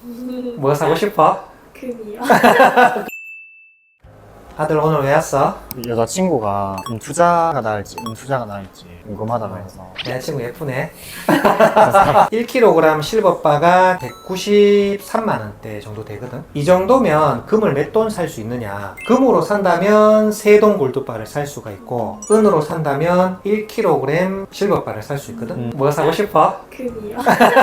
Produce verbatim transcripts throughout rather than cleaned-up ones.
뭐 사고 싶어? 금이요. 아들 오늘 왜 왔어? 여자친구가 금투자가 나을지 은투자가 나을지 궁금하다고 해서. 여자친구 예쁘네. 일 킬로그램 실버바가 백구십삼만 원대 정도 되거든. 이 정도면 금을 몇 돈 살 수 있느냐? 금으로 산다면 세 돈 골드바를 살 수가 있고, 은으로 산다면 일 킬로그램 실버바를 살 수 있거든. 음. 뭐 사고 싶어? 금이요.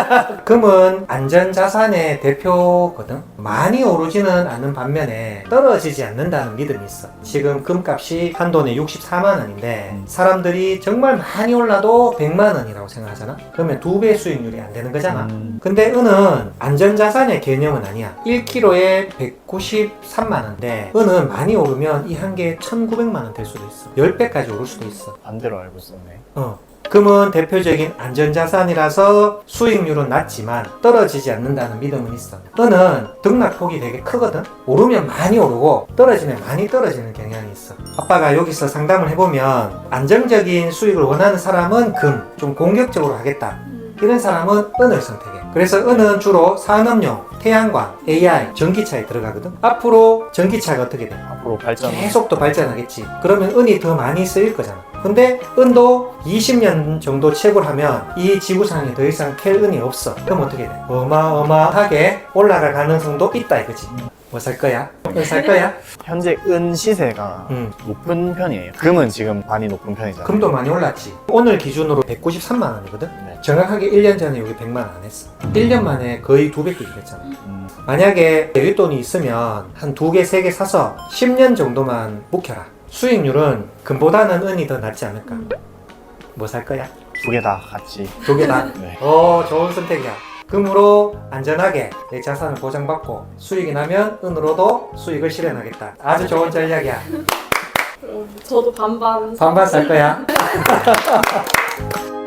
금은 안전자산의 대표거든. 많이 오르지는 않는 반면에 떨어지지 않는다는 믿음이 있어. 지금 금값이 한 돈에 육십사만 원인데 음. 사람들이 정말 많이 올라도 백만 원이라고 생각하잖아. 그러면 두 배 수익률이 안 되는 거잖아. 음. 근데 은은 안전자산의 개념은 아니야. 일 킬로그램에 백구십삼만 원인데 은은 많이 오르면 이 한 개에 천구백만 원 될 수도 있어. 십 배까지 오를 수도 있어. 반대로 알고 있었네. 어. 금은 대표적인 안전자산이라서 수익률은 낮지만 떨어지지 않는다는 믿음은 있어. 은은 등락폭이 되게 크거든. 오르면 많이 오르고 떨어지면 많이 떨어지는 경향이 있어. 아빠가 여기서 상담을 해보면 안정적인 수익을 원하는 사람은 금, 좀 공격적으로 하겠다, 이런 사람은 은을 선택해. 그래서 은은 주로 산업용, 태양광, 에이아이, 전기차에 들어가거든. 앞으로 전기차가 어떻게 돼? 앞으로 발전. 계속 또 발전하겠지. 그러면 은이 더 많이 쓰일 거잖아. 근데 은도 이십 년 정도 채굴 하면 이 지구상에 더 이상 캘 은이 없어. 그럼 어떻게 돼? 어마어마하게 올라갈 가능성도 있다 이거지. 뭐 살 거야? 은 살 거야? 현재 은 시세가 응. 높은 편이에요. 금은 지금 많이 높은 편이잖아요. 금도 많이 올랐지. 오늘 기준으로 백구십삼만 원이거든. 네. 정확하게 일 년 전에 여기 백만 원 안 했어. 일 년 만에 거의 두 배 뛰게 됐잖아. 음. 만약에 여윳돈이 있으면 한 두 개, 세 개 사서 십 년 정도만 묵혀라. 수익률은 금보다는 은이 더 낫지 않을까? 뭐 살 거야? 두 개 다 같이. 두 개 다? 네. 어, 좋은 선택이야. 금으로 안전하게 내 자산을 보장받고 수익이 나면 은으로도 수익을 실현하겠다. 아주 좋은 전략이야. 그럼 저도 반반. 반반 살 거야.